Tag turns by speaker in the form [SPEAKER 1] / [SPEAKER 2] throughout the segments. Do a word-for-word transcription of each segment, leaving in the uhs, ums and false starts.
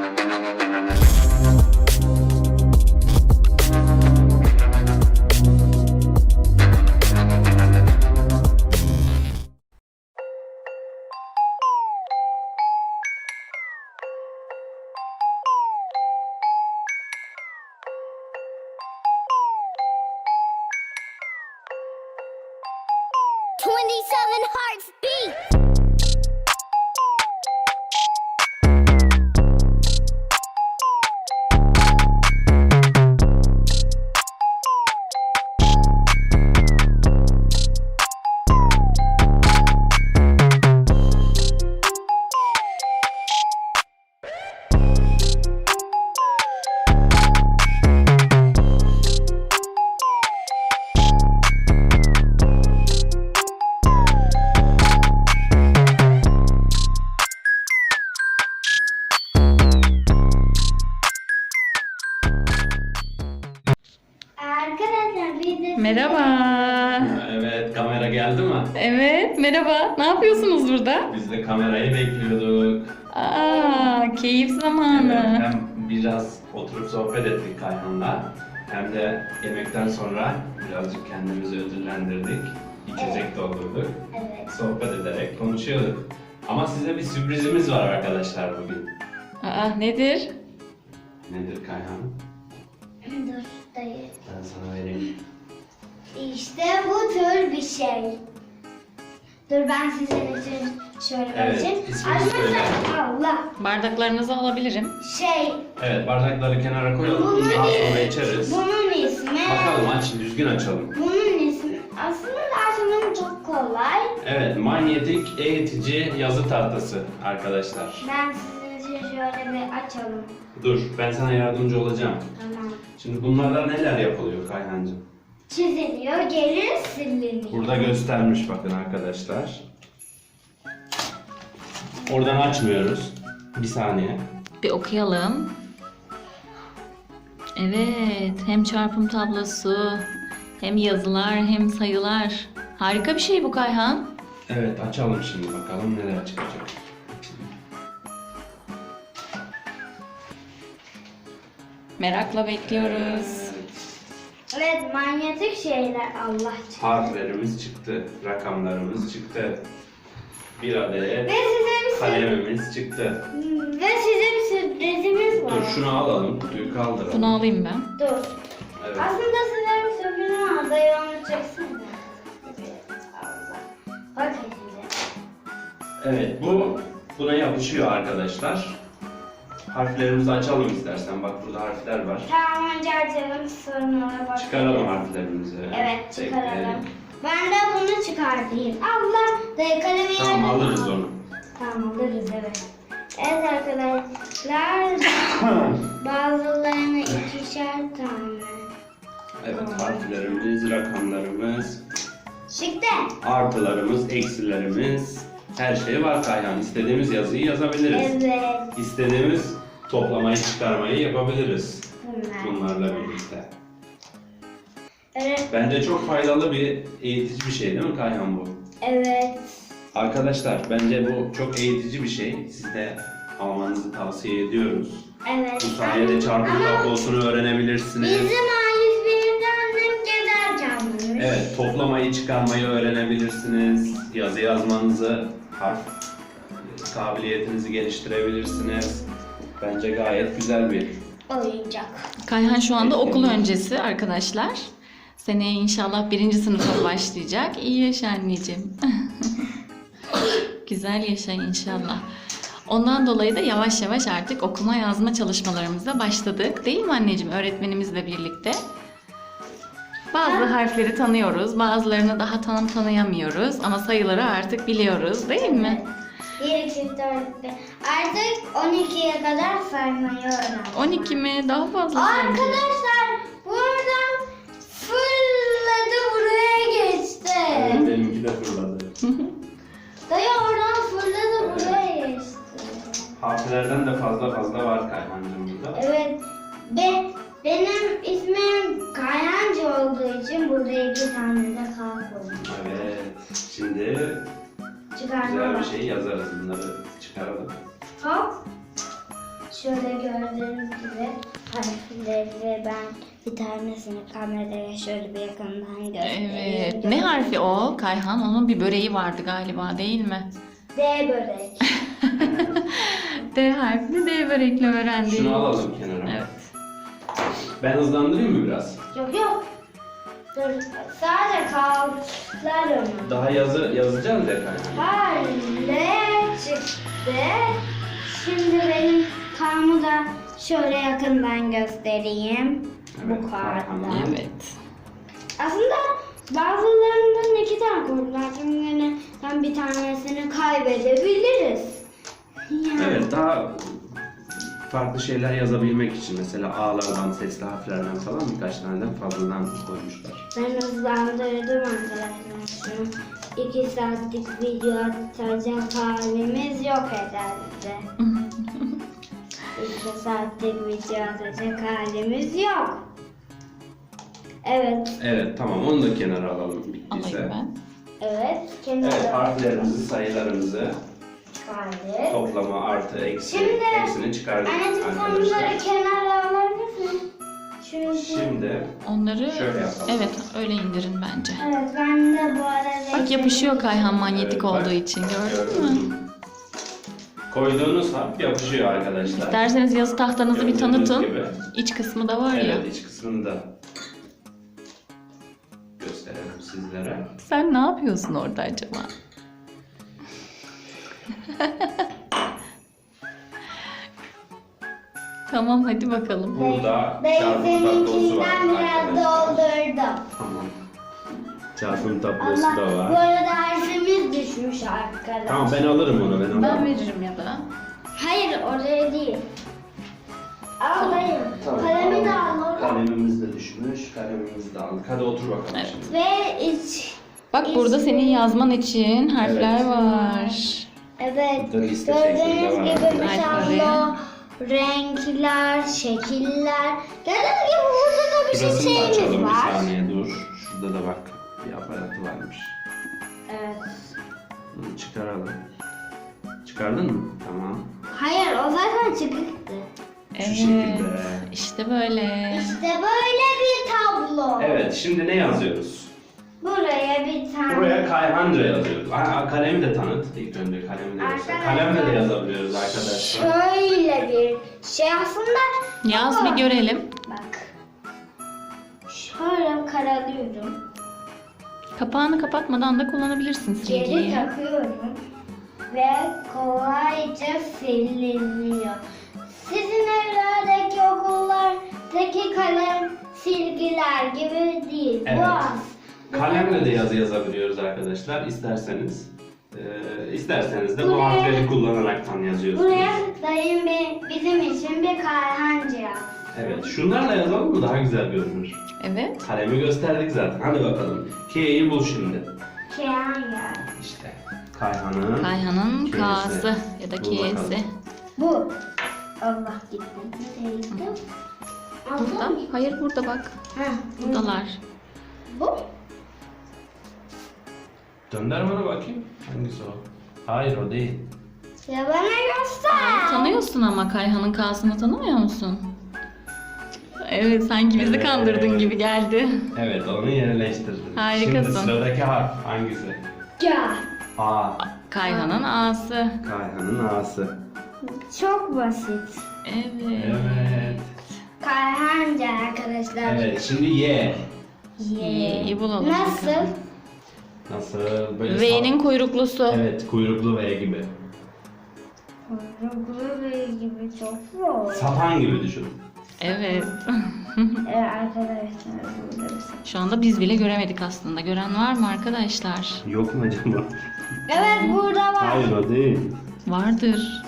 [SPEAKER 1] twenty-seven hearts beat. Arkadaşlar bir de...
[SPEAKER 2] Merhaba.
[SPEAKER 3] Evet, kamera geldi mi?
[SPEAKER 2] Evet, merhaba. Ne yapıyorsunuz burada?
[SPEAKER 3] Biz de kamerayı bekliyorduk.
[SPEAKER 2] Aa, keyif zamanı.
[SPEAKER 3] Evet, hem biraz oturup sohbet ettik Kayhan'la, hem de yemekten sonra birazcık kendimizi ödüllendirdik. İçecek
[SPEAKER 1] Evet.
[SPEAKER 3] doldurduk.
[SPEAKER 1] Evet.
[SPEAKER 3] Sohbet ederek konuşuyorduk. Ama size bir sürprizimiz var arkadaşlar bugün.
[SPEAKER 2] Aa, nedir?
[SPEAKER 3] Nedir Kayhan?
[SPEAKER 1] Dur dayı.
[SPEAKER 3] Ben sana vereyim.
[SPEAKER 1] İşte bu tür bir şey. Dur ben sizin için şöyle
[SPEAKER 3] Evet,
[SPEAKER 1] vereceğim.
[SPEAKER 3] ismini söyle.
[SPEAKER 1] Allah.
[SPEAKER 2] Bardaklarınızı alabilirim.
[SPEAKER 1] Şey.
[SPEAKER 3] Evet, bardakları kenara koyalım.
[SPEAKER 1] Bunun,
[SPEAKER 3] Daha sonra içeriz.
[SPEAKER 1] bunun ismi.
[SPEAKER 3] Bakalım aç, düzgün açalım.
[SPEAKER 1] Bunun ismi. Aslında açılımı çok kolay.
[SPEAKER 3] Evet, manyetik eğitici yazı tahtası arkadaşlar.
[SPEAKER 1] Ben sizin için şöyle bir açalım.
[SPEAKER 3] Dur, ben sana yardımcı olacağım.
[SPEAKER 1] Tamam.
[SPEAKER 3] Şimdi bunlardan neler yapılıyor Kayhancığım?
[SPEAKER 1] Çiziliyor, geri siliniyor.
[SPEAKER 3] Burada göstermiş bakın arkadaşlar. Oradan açmıyoruz. Bir saniye.
[SPEAKER 2] Bir okuyalım. Evet, hem çarpım tablosu, hem yazılar, hem sayılar. Harika bir şey bu Kayhan.
[SPEAKER 3] Evet, açalım şimdi bakalım neler çıkacak.
[SPEAKER 2] Merakla bekliyoruz.
[SPEAKER 1] Evet, manyetik şeyler Allah çıktı.
[SPEAKER 3] Harflerimiz çıktı, rakamlarımız çıktı. Bir adet
[SPEAKER 1] Ve size bir
[SPEAKER 3] kalemimiz çıktı.
[SPEAKER 1] sür- ve size bir sürprizimiz var.
[SPEAKER 3] Dur şunu alalım, kutuyu kaldıralım.
[SPEAKER 2] Bunu alayım ben.
[SPEAKER 1] Dur.
[SPEAKER 3] Evet.
[SPEAKER 1] Aslında size bir sürprizim var. Dayı onu çeksin de. Evet, Allah. Bakın size.
[SPEAKER 3] Evet, bu buna yapışıyor arkadaşlar. Harflerimizi açalım istersen. Bak burada harfler var.
[SPEAKER 1] Tamam, önce açalım, sonra bakalım.
[SPEAKER 3] Çıkaralım harflerimizi.
[SPEAKER 1] Evet, çıkaralım.
[SPEAKER 3] Bekleyelim.
[SPEAKER 1] Ben de bunu çıkartayım. Allah, dayı kalemi
[SPEAKER 3] Tamam,
[SPEAKER 1] yerine-
[SPEAKER 3] alırız onu.
[SPEAKER 1] Tamam, alırız evet. Evet arkadaşlar, bazılarını ikişer tane.
[SPEAKER 3] Evet, harflerimiz, rakamlarımız,
[SPEAKER 1] Çıktı.
[SPEAKER 3] artılarımız, eksilerimiz, her şey var Kayhan. İstediğimiz yazıyı yazabiliriz.
[SPEAKER 1] Evet.
[SPEAKER 3] İstediğimiz toplamayı, çıkarmayı yapabiliriz
[SPEAKER 1] Bunlar.
[SPEAKER 3] bunlarla birlikte.
[SPEAKER 1] Evet.
[SPEAKER 3] Bence çok faydalı bir eğitici bir şey değil mi Kayhan bu?
[SPEAKER 1] Evet.
[SPEAKER 3] Arkadaşlar bence bu çok eğitici bir şey. Siz de almanızı tavsiye ediyoruz.
[SPEAKER 1] Evet.
[SPEAKER 3] Bu sayede çarpım
[SPEAKER 1] Ama
[SPEAKER 3] tablosunu öğrenebilirsiniz.
[SPEAKER 1] bizim A yüz bir'de annem gezerken bulmuş.
[SPEAKER 3] Evet, toplamayı, çıkarmayı öğrenebilirsiniz. Yazı yazmanızı, harf kabiliyetinizi geliştirebilirsiniz. Bence gayet güzel bir.
[SPEAKER 1] Oyuncak.
[SPEAKER 2] Kayhan şu anda okul öncesi arkadaşlar. Seneye inşallah birinci sınıfa başlayacak. İyi yaşa anneciğim. Güzel yaşa inşallah. Ondan dolayı da yavaş yavaş artık okuma yazma çalışmalarımıza başladık. Değil mi anneciğim? Öğretmenimizle birlikte. Bazı harfleri tanıyoruz. Bazılarını daha tam tanıyamıyoruz. Ama sayıları artık biliyoruz. Değil mi?
[SPEAKER 1] bir, iki, dört, beş. Artık on ikiye kadar saymayı öğrendim.
[SPEAKER 2] on iki mi? Daha fazla sanki.
[SPEAKER 1] Arkadaşlar buradan fırladı, buraya geçti.
[SPEAKER 3] Evet, benimki de fırladı.
[SPEAKER 1] Dayı oradan fırladı, buraya geçti.
[SPEAKER 3] Harflerden de fazla fazla var Kayhancığım burada.
[SPEAKER 1] Evet. Be, benim ismim Kayancı olduğu için burada iki tane de K koydum.
[SPEAKER 3] Evet, şimdi
[SPEAKER 1] Çıkarma
[SPEAKER 3] güzel bir
[SPEAKER 1] bak.
[SPEAKER 3] şey yazarız. Bunları çıkaralım.
[SPEAKER 1] Hop. Şöyle gördüğünüz gibi harfleri ben bir tanesini kameraya şöyle bir yakından göstereyim.
[SPEAKER 2] Evet. Ne harfi o Kayhan? Onun bir böreği vardı galiba değil mi?
[SPEAKER 1] D börek.
[SPEAKER 2] D harfini D börekle öğrendik.
[SPEAKER 3] Şunu alalım kenara.
[SPEAKER 2] Evet.
[SPEAKER 3] Ben hızlandırayım mı biraz?
[SPEAKER 1] Yok yok. Dur. Sadece kaldılar onu.
[SPEAKER 3] Daha yazı yazacağız ya Kayhan.
[SPEAKER 1] Hale çıktı. Şimdi benim karmı da şöyle yakından göstereyim.
[SPEAKER 3] Evet,
[SPEAKER 1] Bu kartla.
[SPEAKER 3] Kayhan'ın.
[SPEAKER 2] Evet.
[SPEAKER 1] Aslında bazılarından iki tane kurdular. Şimdi ben bir tanesini kaybedebiliriz. Yani.
[SPEAKER 3] Evet, daha farklı şeyler yazabilmek için mesela A'lardan, sesli harflerden falan birkaç taneden fazladan koymuşlar.
[SPEAKER 1] Ben hızlandırdım arkadaşlar şunu. İki saatlik video atacak halimiz yok herhalde. İki saatlik video atacak halimiz yok. Evet,
[SPEAKER 3] Evet, tamam, onu da kenara alalım bittiyse.
[SPEAKER 2] Alayım ben.
[SPEAKER 1] evet. Kenara
[SPEAKER 3] Evet, harflerimizi, sayılarımızı,
[SPEAKER 1] kaydet.
[SPEAKER 3] toplama, artı, eksi,
[SPEAKER 1] Şimdi
[SPEAKER 3] hepsini çıkardık
[SPEAKER 1] anneciğim sen
[SPEAKER 3] arkadaşlar.
[SPEAKER 1] bunları kenara alabilirsin. Çünkü...
[SPEAKER 3] Şimdi
[SPEAKER 2] Onları
[SPEAKER 3] Şöyle yapalım.
[SPEAKER 2] evet öyle indirin bence.
[SPEAKER 1] Evet ben de bu arada...
[SPEAKER 2] Bak yapışıyor Kayhan manyetik
[SPEAKER 3] Evet, bak.
[SPEAKER 2] olduğu için gördün mü?
[SPEAKER 3] koyduğunuz harf yapışıyor arkadaşlar.
[SPEAKER 2] İsterseniz yazı tahtanızı bir
[SPEAKER 3] Gördüğünüz
[SPEAKER 2] tanıtın.
[SPEAKER 3] gibi.
[SPEAKER 2] İç kısmı da var ya.
[SPEAKER 3] Evet, iç kısmını da gösterelim sizlere.
[SPEAKER 2] Sen ne yapıyorsun orada acaba? Tamam hadi bakalım.
[SPEAKER 3] Burada
[SPEAKER 1] Ben
[SPEAKER 3] çarpım tablosu var
[SPEAKER 1] seninkinden biraz
[SPEAKER 3] arkadaşlar.
[SPEAKER 1] doldurdum.
[SPEAKER 3] Tamam. Çarpım tablosu
[SPEAKER 1] Allah,
[SPEAKER 3] da
[SPEAKER 1] bu
[SPEAKER 3] var.
[SPEAKER 1] arada harfimiz düşmüş arkadaşlar.
[SPEAKER 3] Tamam, ben alırım onu, ben alırım.
[SPEAKER 2] Ben veririm ya da.
[SPEAKER 1] Hayır oraya değil. Alayım.
[SPEAKER 3] Tamam,
[SPEAKER 1] Kalemi de
[SPEAKER 3] alalım.
[SPEAKER 1] alalım.
[SPEAKER 3] Kalemimiz de düşmüş, kalemimizi de aldık. Hadi otur bakalım
[SPEAKER 2] Evet.
[SPEAKER 3] şimdi.
[SPEAKER 1] Ve iç.
[SPEAKER 2] Bak burada senin yazman için harfler
[SPEAKER 3] Evet.
[SPEAKER 2] var.
[SPEAKER 1] Evet.
[SPEAKER 3] Burada liste
[SPEAKER 1] Gördüğünüz
[SPEAKER 3] şeklinde var
[SPEAKER 1] gibi bir
[SPEAKER 2] arkadaşlar.
[SPEAKER 1] tablo, renkler, şekiller. Gördüğünüz gibi burada da bir şey
[SPEAKER 3] Şurasını da
[SPEAKER 1] şeyimiz
[SPEAKER 3] açalım, bir
[SPEAKER 1] var.
[SPEAKER 3] saniye dur. Şurada da bak bir aparatı varmış.
[SPEAKER 1] Evet.
[SPEAKER 3] Bunu çıkaralım. Çıkardın mı? Tamam.
[SPEAKER 1] Hayır o zaten çıkıktı.
[SPEAKER 3] Şu
[SPEAKER 2] Evet.
[SPEAKER 3] şekilde.
[SPEAKER 2] İşte böyle.
[SPEAKER 1] İşte böyle bir tablo.
[SPEAKER 3] Evet, şimdi ne yazıyoruz?
[SPEAKER 1] Buraya bir tane.
[SPEAKER 3] Buraya Kayhanca yazıyoruz. Ha, kalemi de tanıt. İlk önce kalemi de göster.
[SPEAKER 1] Arkadaşlar.
[SPEAKER 3] Kalemle de yazabiliyoruz arkadaşlar.
[SPEAKER 1] Şöyle bir şey aslında.
[SPEAKER 2] Yaz bir görelim.
[SPEAKER 1] Bak. Şöyle karalıyorum.
[SPEAKER 2] Kapağını kapatmadan da kullanabilirsin
[SPEAKER 1] Geri
[SPEAKER 2] silgiyi.
[SPEAKER 1] takıyorum. Ve kolayca siliniyor. Sizin evlerdeki okullardaki kalem silgiler gibi değil.
[SPEAKER 3] Evet.
[SPEAKER 1] Bu az.
[SPEAKER 3] Kalemle de yazı yazabiliyoruz arkadaşlar. İsterseniz. Ee, isterseniz de bu
[SPEAKER 1] Buraya-
[SPEAKER 3] harfleri kullanaraktan yazıyorsunuz.
[SPEAKER 1] Buraya dayım bir, bizim için bir kayhancı yaptı.
[SPEAKER 3] Evet, şunlarla yazalım mı daha güzel görünür.
[SPEAKER 2] Evet.
[SPEAKER 3] Kalemi gösterdik zaten. Hadi bakalım. K'yi bul şimdi.
[SPEAKER 1] Kayhan ya.
[SPEAKER 3] İşte Kayhan'ın
[SPEAKER 2] Kayhan'ın
[SPEAKER 3] K'si.
[SPEAKER 2] K'sı ya da
[SPEAKER 3] Bul bakalım.
[SPEAKER 2] K'si.
[SPEAKER 1] Bu. Allah gitti. Neydi?
[SPEAKER 2] Burada. Hayır burada bak.
[SPEAKER 1] Ha,
[SPEAKER 2] Buradalar.
[SPEAKER 1] bu.
[SPEAKER 3] Dönder bana bakayım. Hangisi o? Hayır, o değil.
[SPEAKER 1] Ya bana göster.
[SPEAKER 2] Tanıyorsun ama Kayhan'ın K'sını tanımıyor musun? Evet sanki bizi
[SPEAKER 3] Evet.
[SPEAKER 2] kandırdın gibi geldi.
[SPEAKER 3] Evet, onu yerleştirdim.
[SPEAKER 2] Harikasın.
[SPEAKER 3] Şimdi sıradaki harf hangisi?
[SPEAKER 1] Ya.
[SPEAKER 3] A.
[SPEAKER 2] Kayhan'ın A'sı.
[SPEAKER 3] Kayhan'ın A'sı.
[SPEAKER 1] Çok basit.
[SPEAKER 2] Evet.
[SPEAKER 3] Evet.
[SPEAKER 1] Kayhanca arkadaşlar.
[SPEAKER 3] Evet, şimdi Y.
[SPEAKER 2] Y'yi bulalım.
[SPEAKER 1] Nasıl?
[SPEAKER 2] bakalım.
[SPEAKER 3] Nasıl? Böyle
[SPEAKER 2] V'nin
[SPEAKER 3] sap-
[SPEAKER 2] kuyruklusu.
[SPEAKER 3] Evet, kuyruklu V gibi.
[SPEAKER 1] Kuyruklu bir gibi çok zor.
[SPEAKER 3] Sapan gibi düşün.
[SPEAKER 2] Evet.
[SPEAKER 1] Evet arkadaşlar burada bir şey.
[SPEAKER 2] Şu anda biz bile göremedik aslında. Gören var mı arkadaşlar?
[SPEAKER 3] Yok mu acaba?
[SPEAKER 1] Evet burada var.
[SPEAKER 3] Hayır, o değil.
[SPEAKER 2] Vardır.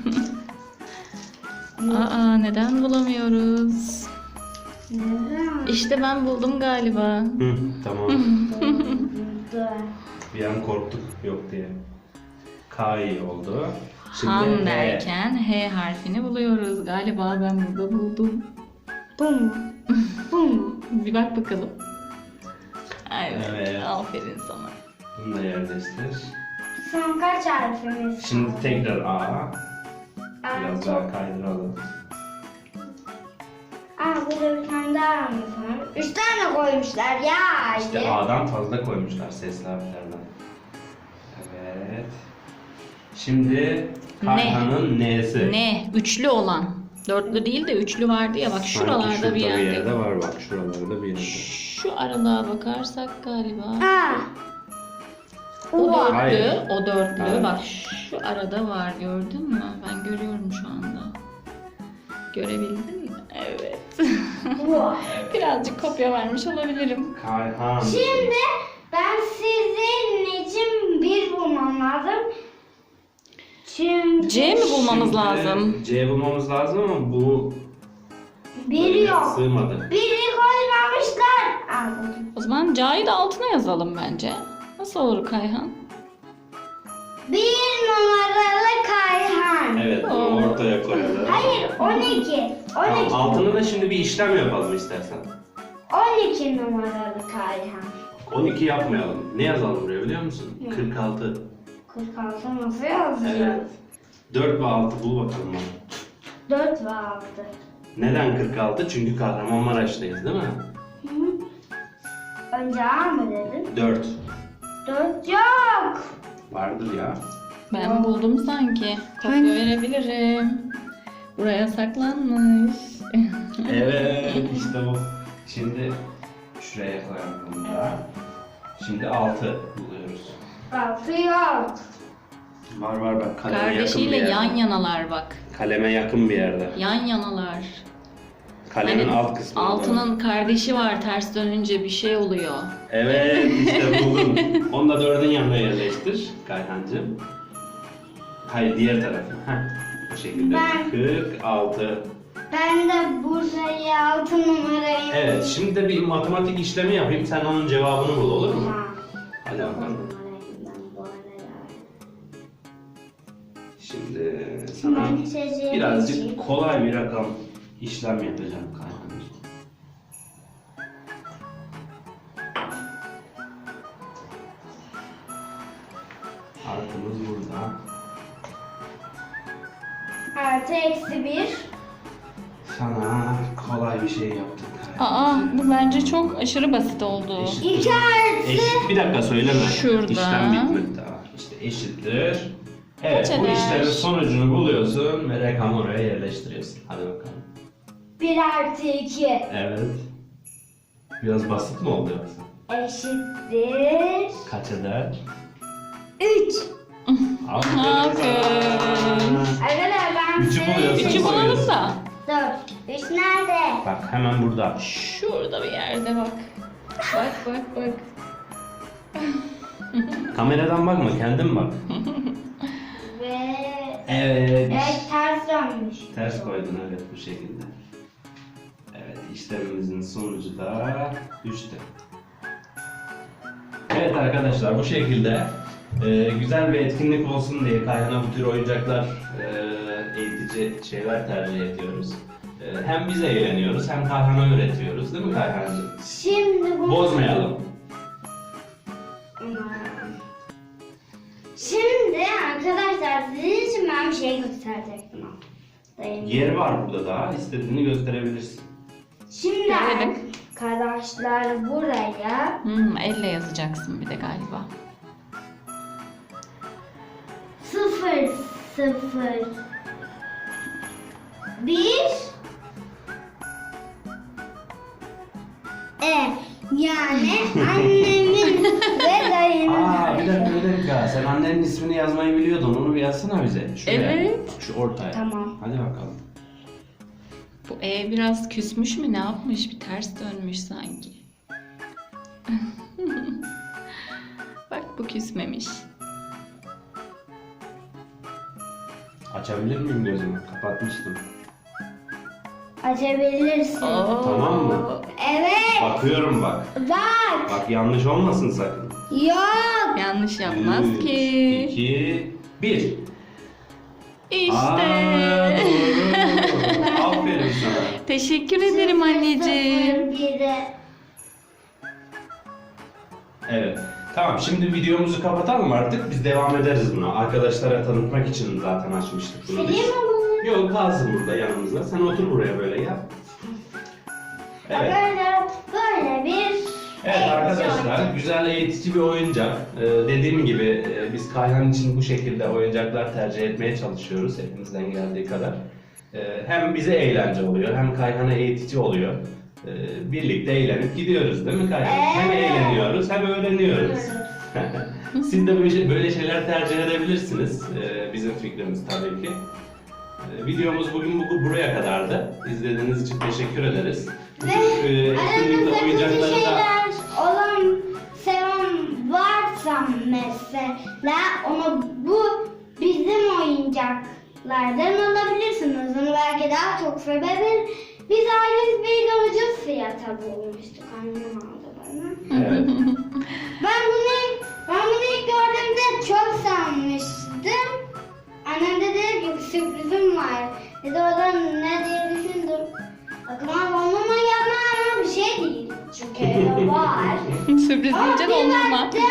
[SPEAKER 2] Aa neden bulamıyoruz?
[SPEAKER 1] Neden?
[SPEAKER 2] İşte ben buldum galiba.
[SPEAKER 3] Hı, tamam.
[SPEAKER 1] Burada.
[SPEAKER 3] Bir an korktuk yok diye. K iyi oldu.
[SPEAKER 2] Han
[SPEAKER 3] H.
[SPEAKER 2] derken H harfini buluyoruz. Galiba ben burada buldum.
[SPEAKER 1] Bu mu? Bu mu?
[SPEAKER 2] Bir bak bakalım. Evet.
[SPEAKER 3] Evet.
[SPEAKER 2] Aferin sana.
[SPEAKER 3] Bunu da yerleştir.
[SPEAKER 1] Son kaç harfimiz?
[SPEAKER 3] Şimdi tekrar A.
[SPEAKER 1] Aa,
[SPEAKER 3] Biraz
[SPEAKER 1] çok
[SPEAKER 3] daha kaydıralım.
[SPEAKER 1] burada bir tane daha harfimiz var. Üç tane koymuşlar ya.
[SPEAKER 3] İşte A'dan fazla koymuşlar sesli harflerden. Evet. Şimdi Kayhan'ın N'si.
[SPEAKER 2] Ne? Üçlü olan. Dörtlü değil de üçlü vardı ya bak
[SPEAKER 3] Sanki
[SPEAKER 2] şuralarda
[SPEAKER 3] şurada
[SPEAKER 2] bir yerde.
[SPEAKER 3] bir yerde var bak. Şuralarda bir yerde.
[SPEAKER 2] Şu aralığa bakarsak galiba.
[SPEAKER 1] Aa.
[SPEAKER 2] O
[SPEAKER 1] Uva.
[SPEAKER 2] dörtlü,
[SPEAKER 3] Hayır.
[SPEAKER 2] o dörtlü.
[SPEAKER 3] Hayır.
[SPEAKER 2] Bak şu arada var gördün mü? Ben görüyorum şu anda. Görebildin mi? Evet.
[SPEAKER 1] Uva.
[SPEAKER 2] Birazcık kopya vermiş olabilirim.
[SPEAKER 3] Kayhan.
[SPEAKER 1] Şimdi ben sizin için bir bulmam lazım. Çünkü
[SPEAKER 2] C mi bulmamız
[SPEAKER 3] Şimdi
[SPEAKER 2] lazım?
[SPEAKER 3] C bulmamız lazım ama bu
[SPEAKER 1] bir yok.
[SPEAKER 3] sığmadı.
[SPEAKER 1] Biri koymamışlar. Aa, buldum.
[SPEAKER 2] O zaman C'yi de altına yazalım bence. Nasıl olur Kayhan?
[SPEAKER 1] Bir numaralı Kayhan.
[SPEAKER 3] Evet, bunu
[SPEAKER 2] Oo.
[SPEAKER 3] ortaya koyalım.
[SPEAKER 1] Hayır on iki.
[SPEAKER 3] Tamam,
[SPEAKER 1] on iki.
[SPEAKER 3] altına da şimdi bir işlem yapalım istersen.
[SPEAKER 1] on iki numaralı Kayhan.
[SPEAKER 3] on iki yapmayalım. Ne yazalım buraya biliyor musun?
[SPEAKER 1] Ne?
[SPEAKER 3] kırk altı.
[SPEAKER 1] kırk altı nasıl yazacağız?
[SPEAKER 3] Evet. dört ve altı bul bakalım bana.
[SPEAKER 1] dört ve altı.
[SPEAKER 3] Neden kırk altı? Çünkü Kahramanmaraş'tayız değil mi?
[SPEAKER 1] Hı. Önce A mı dedin?
[SPEAKER 3] dört.
[SPEAKER 1] dört yok.
[SPEAKER 3] Vardır ya.
[SPEAKER 2] Ben buldum sanki. Kopya
[SPEAKER 1] Hangi?
[SPEAKER 2] verebilirim. Buraya saklanmış.
[SPEAKER 3] Evet, işte bu. Şimdi şuraya koyalım bunu da. Şimdi altı buluyoruz.
[SPEAKER 1] altı yok.
[SPEAKER 3] Var var bak kaleme yakın bir
[SPEAKER 2] Kardeşiyle
[SPEAKER 3] yerde.
[SPEAKER 2] yan yanalar bak.
[SPEAKER 3] Kaleme yakın bir yerde.
[SPEAKER 2] Yan yanalar.
[SPEAKER 3] Kalemin
[SPEAKER 2] Hani
[SPEAKER 3] alt kısmı.
[SPEAKER 2] altının kardeşi var, ters dönünce bir şey oluyor.
[SPEAKER 3] Evet işte buldum. Onu da dördün yanına yerleştir Kayhancığım. Hayır diğer tarafı. Heh. Bu şekilde.
[SPEAKER 1] Ben-
[SPEAKER 3] kırk altı.
[SPEAKER 1] Ben de Bursa'yı altı numarayı.
[SPEAKER 3] Evet şimdi de bir matematik işlemi yapayım. Sen onun cevabını bul olur mu?
[SPEAKER 1] Ha.
[SPEAKER 3] Hadi bakalım. Şimdi sana
[SPEAKER 1] Ben içeceği
[SPEAKER 3] birazcık
[SPEAKER 1] içeyim.
[SPEAKER 3] kolay bir rakam işlem yapacağım Kayhancığım. Artımız burada.
[SPEAKER 1] Artı eksi bir.
[SPEAKER 3] Sana kolay bir şey yaptık.
[SPEAKER 2] Aa, bu bence çok aşırı basit oldu.
[SPEAKER 3] Eşit.
[SPEAKER 1] İki artı.
[SPEAKER 3] Eşit, bir dakika söyleme.
[SPEAKER 2] Şurada.
[SPEAKER 3] İşlem bitmedi daha. İşte eşittir. Evet
[SPEAKER 2] Kaç
[SPEAKER 3] bu
[SPEAKER 2] eder?
[SPEAKER 3] işlemin sonucunu buluyorsun ve rakamı oraya yerleştiriyorsun. Hadi bakalım.
[SPEAKER 1] bir artı iki.
[SPEAKER 3] Evet. Biraz basit mi oldu yoksa?
[SPEAKER 1] Eşittir.
[SPEAKER 3] Kaç eder?
[SPEAKER 1] üç.
[SPEAKER 3] Aferin
[SPEAKER 2] Aferin.
[SPEAKER 3] sana.
[SPEAKER 1] Arkadaşlar ben
[SPEAKER 3] Üçü
[SPEAKER 1] size-
[SPEAKER 3] buluyorsun.
[SPEAKER 2] Üçü bulalım da.
[SPEAKER 1] Dur. Üç nerede?
[SPEAKER 3] Bak hemen burada.
[SPEAKER 2] Şurada bir yerde bak. Bak bak bak.
[SPEAKER 3] Kameradan bakma kendin bak.
[SPEAKER 1] Ve...
[SPEAKER 3] Evet.
[SPEAKER 1] Evet ters dönmüş.
[SPEAKER 3] Ters koydun evet bu şekilde. Evet işlemimizin sonucu da üçtü. Evet arkadaşlar bu şekilde e, güzel bir etkinlik olsun diye Kayhan'a bu tür oyuncaklar, e, eğitici şeyler tercih ediyoruz. E, hem biz eğleniyoruz hem Kayhan'a öğretiyoruz değil mi Kayhan'cığım?
[SPEAKER 1] Şimdi bu...
[SPEAKER 3] Bozmayalım.
[SPEAKER 1] Şimdi arkadaşlar sizin için ben bir şey gösterecektim. Dayım.
[SPEAKER 3] Yer var burada daha istediğini gösterebilirsin.
[SPEAKER 1] Şimdi
[SPEAKER 2] Görelim.
[SPEAKER 1] arkadaşlar buraya
[SPEAKER 2] Hmm, elle yazacaksın bir de galiba.
[SPEAKER 1] sıfır sıfır bir E yani annemin ve dayımın.
[SPEAKER 3] Aa bir dakika bir dakika sen annenin ismini yazmayı biliyordun onu bir yazsana bize. Şuraya.
[SPEAKER 2] Evet.
[SPEAKER 3] Şu ortaya.
[SPEAKER 1] Tamam.
[SPEAKER 3] Hadi bakalım.
[SPEAKER 2] Bu E biraz küsmüş mü ne yapmış? Bir ters dönmüş sanki. Bak bu küsmemiş.
[SPEAKER 3] Açabilir miyim gözümü? Kapatmıştım.
[SPEAKER 1] Açabilirsin.
[SPEAKER 2] Oo.
[SPEAKER 3] Tamam mı?
[SPEAKER 1] Evet.
[SPEAKER 3] Bakıyorum bak.
[SPEAKER 1] Bak.
[SPEAKER 3] Bak yanlış olmasın sakın.
[SPEAKER 1] Yok.
[SPEAKER 2] Yanlış yapmaz
[SPEAKER 3] Üç,
[SPEAKER 2] ki.
[SPEAKER 3] iki, bir.
[SPEAKER 2] İşte.
[SPEAKER 3] Aa, doğru. Aferin sana.
[SPEAKER 2] Teşekkür ederim anneciğim.
[SPEAKER 1] sıfır bire.
[SPEAKER 3] Evet. Tamam şimdi videomuzu kapatalım artık. Biz devam ederiz buna. Arkadaşlara tanıtmak için zaten açmıştık bunu biz.
[SPEAKER 1] Sileyim mi bunu?
[SPEAKER 3] Yok kalsın burada yanımızda. Sen otur buraya böyle ya. Evet.
[SPEAKER 1] Böyle, böyle bir
[SPEAKER 3] Evet
[SPEAKER 1] eğitici
[SPEAKER 3] arkadaşlar,
[SPEAKER 1] oyuncak.
[SPEAKER 3] güzel eğitici bir oyuncak. Ee, dediğim gibi e, biz Kayhan için bu şekilde oyuncaklar tercih etmeye çalışıyoruz elimizden geldiği kadar. Ee, hem bize eğlence oluyor, hem Kayhan'a eğitici oluyor. Ee, birlikte eğlenip gidiyoruz değil mi Kayhan? Hem
[SPEAKER 1] Evet.
[SPEAKER 3] eğleniyoruz hem öğreniyoruz. Siz de böyle, böyle şeyler tercih edebilirsiniz. Ee, bizim fikrimiz tabii ki. Ee, videomuz bugün bu, buraya kadardı. İzlediğiniz için teşekkür ederiz.
[SPEAKER 1] Ve
[SPEAKER 3] Ee, etkinlikte
[SPEAKER 1] aranızda kötü
[SPEAKER 3] oyuncakları da...
[SPEAKER 1] şeyler olan seven varsa mesela onu bu bizim oyuncaklardan alabilirsiniz. Onu belki daha çok sevebilir. Biz ailemiz bir ucuz fiyata bulmuştuk. Annem aldı bana.
[SPEAKER 3] Evet.
[SPEAKER 1] Ben bunu, ben bunu ilk gördüğümde çok sanmıştım. Annem de dedi ki sürprizim var. Dedi o da ne diye düşündüm. Aklıma dondurma yapma bir şey değil. Çünkü evde var.
[SPEAKER 2] Sürpriz
[SPEAKER 1] Ama
[SPEAKER 2] deyince
[SPEAKER 1] bir
[SPEAKER 2] dondurma.
[SPEAKER 1] baktım,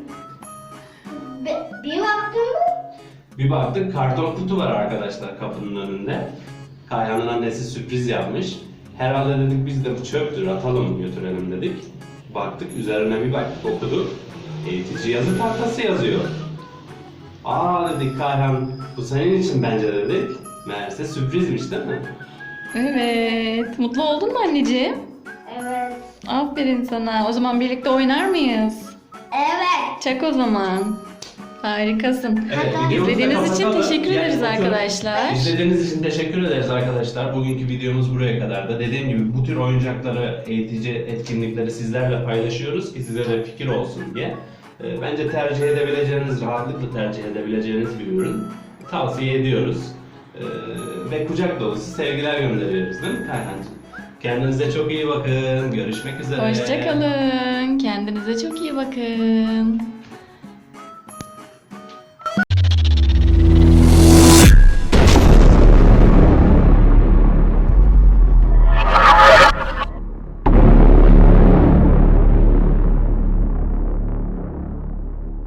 [SPEAKER 1] be- bir baktım
[SPEAKER 3] Bir baktık karton kutu var arkadaşlar kapının önünde. Kayhan'ın annesi sürpriz yapmış. Herhalde dedik biz de bu çöptür atalım götürelim dedik. Baktık üzerine bir baktık okuduk. Eğitici yazı tahtası yazıyor. Aa dedik Kayhan bu senin için bence dedik. Meğerse sürprizmiş değil mi?
[SPEAKER 2] Evet. Mutlu oldun mu anneciğim?
[SPEAKER 1] evet.
[SPEAKER 2] Aferin sana. O zaman birlikte oynar mıyız?
[SPEAKER 1] Evet.
[SPEAKER 2] Çak o zaman. Harikasın.
[SPEAKER 3] Evet,
[SPEAKER 1] Hatta-
[SPEAKER 3] videomuzu da
[SPEAKER 2] İzlediğiniz için
[SPEAKER 3] kapatalım.
[SPEAKER 2] teşekkür ederiz
[SPEAKER 3] Yani bu tür-
[SPEAKER 2] arkadaşlar.
[SPEAKER 3] İzlediğiniz için teşekkür ederiz arkadaşlar. Bugünkü videomuz buraya kadardı. Dediğim gibi bu tür oyuncakları, eğitici etkinlikleri sizlerle paylaşıyoruz ki size de fikir olsun diye. Ee, Bence tercih edebileceğiniz, rahatlıkla tercih edebileceğiniz bir ürün. Tavsiye ediyoruz. Ee, Ve kucak dolusu sevgiler gönderiyoruz değil mi Kayhancığım? Kendinize çok iyi bakın. Görüşmek üzere.
[SPEAKER 2] Hoşçakalın. Kendinize çok iyi bakın.